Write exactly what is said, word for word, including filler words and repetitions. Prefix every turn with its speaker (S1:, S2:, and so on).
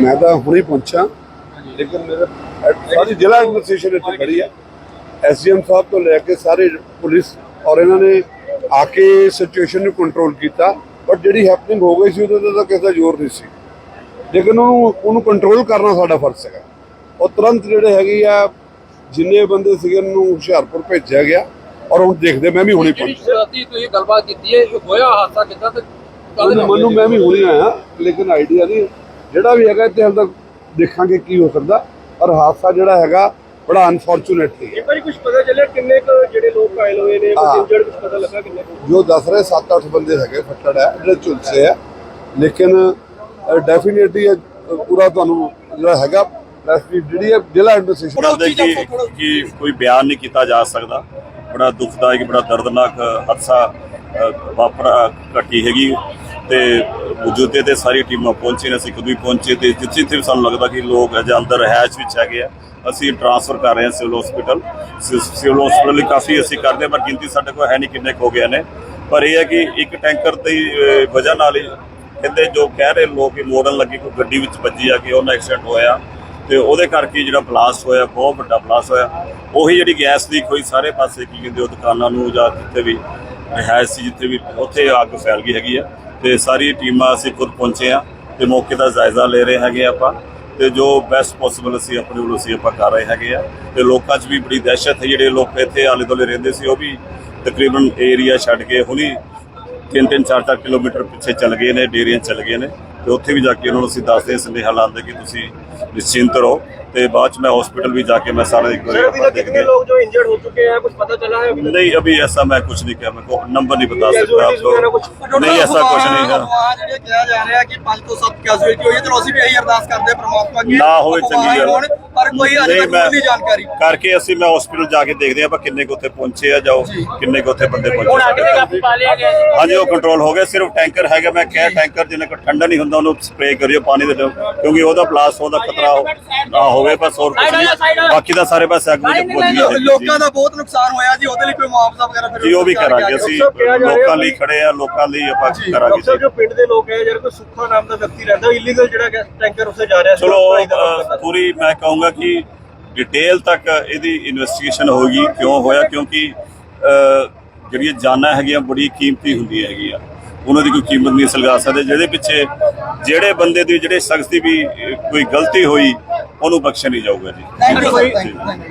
S1: मैं तो हुणे पहुंचा, लेकिन मेरे सारी जिला एडमिनिस्ट्रेशन इतनी खड़ी है, एस डी एम साहब तो लैके सारे पुलिस और इन्होंने आके सिचुएशन को कंट्रोल किया। बट जी हैपनिंग हो गई सी उहदे ते किसी का जोर नहीं सी, लेकिन उन्होंने कंट्रोल करना साडा फर्ज है। और तुरंत जिहड़े हैगे आ जिन्ने बंदे सीगे उन्होंने हुशियारपुर भेजा गया और हुण देखदे मैं भी हुणे पहुंचा। मैनू मैं भी हुणे आया, लेकिन आइडिया नहीं जिहड़ा भी हैगा इत्थे हाल तक देखांगे की हो सकदा। और हादसा जिहड़ा हैगा बड़ा अनफॉर्चुनेट है।
S2: एक बार कुछ पता चलिया किन्ने क जिहड़े लोग घायल होए ने, कुछ इंजर्ड कुछ पता लगा किन्ने को? जो
S1: दस रहे सात अठ बंदे है फट्टड़ है जिहड़े झुलसे है, लेकिन डेफिनेटली पूरा तुहानू जिहड़ा हैगा जिला एडमिनिस्ट्रेशन
S3: कि कोई बयान नहीं किया जा सकता। बड़ा दुखदायक बड़ा दर्दनाक हादसा वापरा घटी हैगी ते मौजूदे ते सारी टीमां पहुंची ने, असीं खुद भी पहुंचे ते जिथे जिथे भी सानूं लगदा कि लोग अजे अंदर रहायश विच हैगे आ, असीं ट्रांसफर कर रहे हैं सिविल हॉस्पिटल। सिविल हॉस्पिटल काफ़ी असीं करदे, पर गिनती साडे कोल है नहीं किन्ने हो गए ने। पर यह है कि एक टैंकर की वजह नाल ही कहते जो कह रहे लोग कि मोड़न लगे कोई गड्डी विच वजी आ के उन्हें एक्सीडेंट होया ते उहदे करके जिहड़ा ब्लास्ट होया बहुत वड्डा ब्लास्ट होया। उही जिहड़ी गैस लीक होई सारे पासे की कहते दुकानां नूं जां जिथे भी रिहायश सी जिथे भी उत्थे अग फैल गई हैगी आ ते सारी टीमां असीं खुद पहुंचे आ ते मौके दा जायजा ले रहे हैगे आपां ते जो बेस्ट पॉसिबल असीं अपने वल्लों असीं आपां कर रहे हैगे आ ते लोकां 'च भी बड़ी दहशत है। जिहड़े लोग इत्थे आले दुआले रहिंदे सी ओह भी तकरीबन एरिया छड्ड के हुणी तीन तीन चार चार किलोमीटर पिछे चल गए ने, डेरियां चल गए ने तो उत्थे भी जाके उन्होंने असीं दसदे सुनेहा लांदे कि तुसीं निश्चिंत रहो। तो बाद मैं हॉस्पिटल भी जाके मैं सारे एक
S2: कितने लोग जो इंजर्ड हो चुके हैं कुछ पता चला है?
S3: नहीं अभी ऐसा मैं कुछ नहीं किया, मैं को नंबर नहीं बता सकता आपको। नहीं ऐसा कुछ नहीं है,
S2: किया जा रहा है कि पांच तो सब कैजुअलिटी हुई है, चलो ਅਸੀਂ ਵੀ ਇਹੀ ਅਰਦਾਸ ਕਰਦੇ ਪ੍ਰਮਾਤਮਾ ਅੱਗੇ
S3: ਨਾ ਹੋਵੇ ਚੰਗੀ ਗੱਲ।
S2: ਪਰ ਕੋਈ ਅਜੇ ਤੱਕ ਨਹੀਂ ਜਾਣਕਾਰੀ
S3: ਕਰਕੇ ਅਸੀਂ ਮੈਂ ਹਸਪੀਟਲ ਜਾ ਕੇ ਦੇਖਦੇ ਆਪਾਂ ਕਿੰਨੇ ਕੁ ਉੱਥੇ ਪਹੁੰਚੇ ਆ ਜਾਓ ਕਿੰਨੇ ਕੁ ਉੱਥੇ ਬੰਦੇ ਪਹੁੰਚੇ। ਹਾਂਜੀ ਉਹ ਕੰਟਰੋਲ ਹੋ ਗਿਆ, ਸਿਰਫ ਟੈਂਕਰ ਹੈਗਾ। ਮੈਂ ਕਿਹਾ ਟੈਂਕਰ ਜਿੰਨੇ ਕੋ ਠੰਡਾ ਨਹੀਂ ਹੁੰਦਾ ਉਹਨੂੰ ਸਪਰੇਅ ਕਰਿਓ ਪਾਣੀ ਦੇ, ਕਿਉਂਕਿ ਉਹਦਾ ਬਲਾਸਟ ਹੋਣ ਦਾ ਖਤਰਾ ਨਾ ਹੋਵੇ ਬਸ, ਹੋਰ ਕੁਝ ਨਹੀਂ। ਬਾਕੀ ਦਾ ਸਾਰੇ ਪਾਸੇ ਅੱਗ ਵਿੱਚ ਪਹੁੰਚ ਗਿਆ।
S2: ਲੋਕਾਂ ਦਾ ਬਹੁਤ ਨੁਕਸਾਨ ਹੋਇਆ ਜੀ, ਉਹਦੇ ਲਈ ਕੋਈ ਮੁਆਵਜ਼ਾ ਵਗੈਰਾ ਫਿਰ
S3: ਜੀ ਉਹ ਵੀ ਕਰਾਂਗੇ ਅਸੀਂ, ਲੋਕਾਂ ਲਈ ਖੜੇ ਆ, ਲੋਕਾਂ ਲਈ ਆਪਾਂ ਕਰਾਂਗੇ।
S2: ਸਰ ਜੋ ਪਿੰਡ ਦੇ ਲੋਕ ਹੈ, ਜਿਹੜਾ ਕੋਈ ਸੁੱਖਾ ਨਾਮ ਦਾ ਵਿਅਕਤੀ ਰਹਿੰਦਾ ਇਲੀਗਲ ਜਿਹੜਾ ਟੈਂਕਰ ਉੱਥੇ ਜਾ ਰਿਹਾ ਸੀ,
S3: ਚਲੋ ਪੂਰੀ ਮੈਂ ਕਹੂੰਗਾ ਕਿ डिटेल तक यदी इन्वेस्टिगेशन होगी क्यों होया, क्योंकि जिहड़ियां जानां हैगियां बड़ी कीमती हुंदी हैगियां, उन्हां दी कोई कीमत नहीं लगा सकदे। जिहदे पिछे जिहड़े बंदे दी जिहड़े शख्स दी भी कोई गलती होई उहनूं बख्शिया नहीं जाऊगा जी।